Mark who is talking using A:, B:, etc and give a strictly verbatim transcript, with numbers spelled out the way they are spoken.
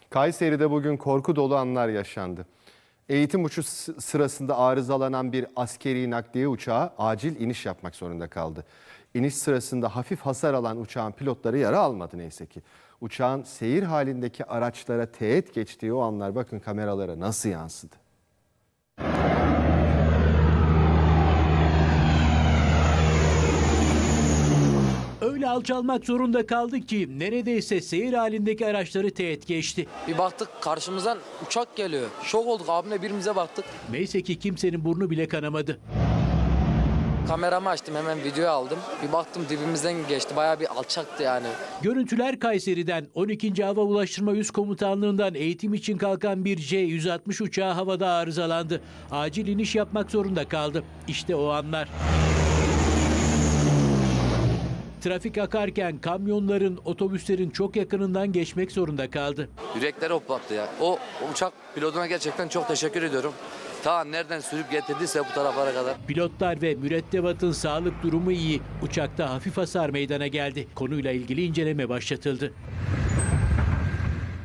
A: Kayseri'de bugün korku dolu anlar yaşandı. Eğitim uçuş sırasında arızalanan bir askeri nakliye uçağı acil iniş yapmak zorunda kaldı. İniş sırasında hafif hasar alan uçağın pilotları yara almadı neyse ki. Uçağın seyir halindeki araçlara teğet geçtiği o anlar bakın kameralara nasıl yansıdı.
B: Öyle alçalmak zorunda kaldı ki neredeyse seyir halindeki araçları teğet geçti.
C: Bir baktık karşımızdan uçak geliyor. Şok olduk, abimle birbirimize baktık.
B: Neyse ki kimsenin burnu bile kanamadı.
C: Kameramı açtım, hemen video aldım. Bir baktım dibimizden geçti. Bayağı bir alçaktı yani.
B: Görüntüler Kayseri'den. on ikinci Hava Ulaştırma Üst Komutanlığı'ndan eğitim için kalkan bir C yüz altmış uçağı havada arızalandı. Acil iniş yapmak zorunda kaldı. İşte o anlar. Trafik akarken kamyonların, otobüslerin çok yakınından geçmek zorunda kaldı.
D: Yürekleri hoplattı ya. O uçak pilotuna gerçekten çok teşekkür ediyorum. Ta nereden sürüp getirdiyse bu taraflara kadar.
B: Pilotlar ve mürettebatın sağlık durumu iyi. Uçakta hafif hasar meydana geldi. Konuyla ilgili inceleme başlatıldı.